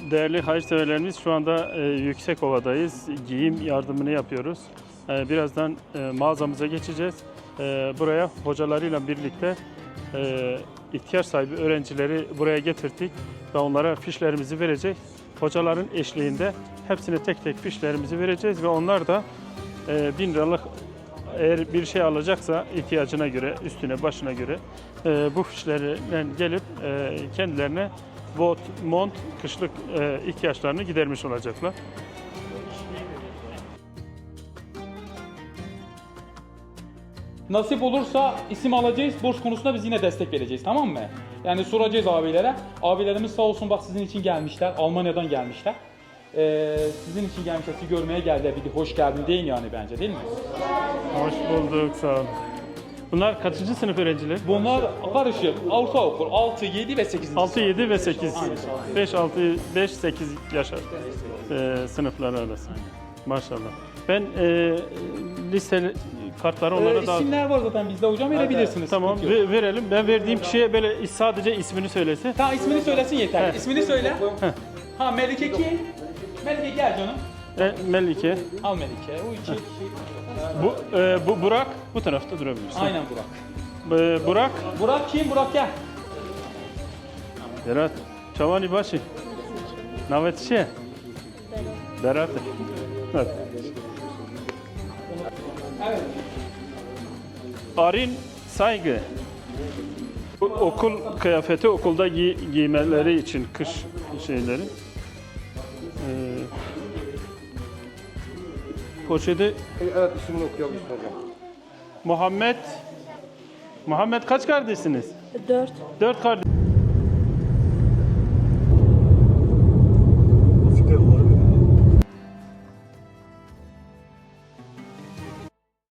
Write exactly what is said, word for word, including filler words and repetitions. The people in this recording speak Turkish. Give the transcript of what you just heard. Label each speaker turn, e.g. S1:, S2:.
S1: Değerli hayırseverlerimiz, şu anda e, Yüksekova'dayız. Giyim yardımını yapıyoruz. E, birazdan e, mağazamıza geçeceğiz. E, buraya hocalarıyla birlikte e, ihtiyaç sahibi öğrencileri buraya getirdik ve onlara fişlerimizi verecek. Hocaların eşliğinde hepsine tek tek fişlerimizi vereceğiz ve onlar da e, bin liralık eğer bir şey alacaksa ihtiyacına göre, üstüne başına göre e, bu fişlerle gelip e, kendilerine bot, mont, kışlık e, ihtiyaçlarını gidermiş olacaklar.
S2: Nasip olursa isim alacağız, borç konusunda biz yine destek vereceğiz, tamam mı? Yani soracağız abilere. Abilerimiz sağ olsun bak sizin için gelmişler, Almanya'dan gelmişler. Ee, sizin için gelmişler, sizi görmeye geldiler. Bir de hoş geldin deyin yani bence, değil mi?
S1: Hoş bulduk, sağ olun. Bunlar kaçıncı sınıf öğrencileri?
S2: Bunlar karışık, ortaokul altı, yedi ve sekiz.
S1: altı, yedi ve sekiz.
S2: Aynen.
S1: beş, altı, beş, sekiz yaş e, sınıfları arası. Maşallah. Ben e, liste kartları onlara
S2: Ee,
S1: da...
S2: isimler var zaten bizde hocam, verebilirsiniz.
S1: Tamam,
S2: sıkıntı yok.
S1: ve- verelim. Ben verdiğim kişiye böyle sadece ismini söylesin.
S2: Tamam, ismini söylesin yeter.
S1: Heh.
S2: İsmini söyle. Ha, Melike kim? Melike gel canım.
S1: E, Melike.
S2: Al Melike. O iki.
S1: Bu, e, bu Burak bu tarafta durabilirsin.
S2: Aynen Burak.
S1: E, Burak.
S2: Burak kim? Burak gel.
S1: Berat. Çavani başı. Navet şey. Berat. Evet.
S2: Evet.
S1: Arin Saygı. Bu okul kıyafeti, okulda giy giymeleri için kış şeyleri. Ee, poşeti
S3: Evet, ismini okuyabilirsin hocam.
S1: Muhammed. Muhammed kaç kardeşsiniz?
S4: Dört.
S1: Dört kardeş.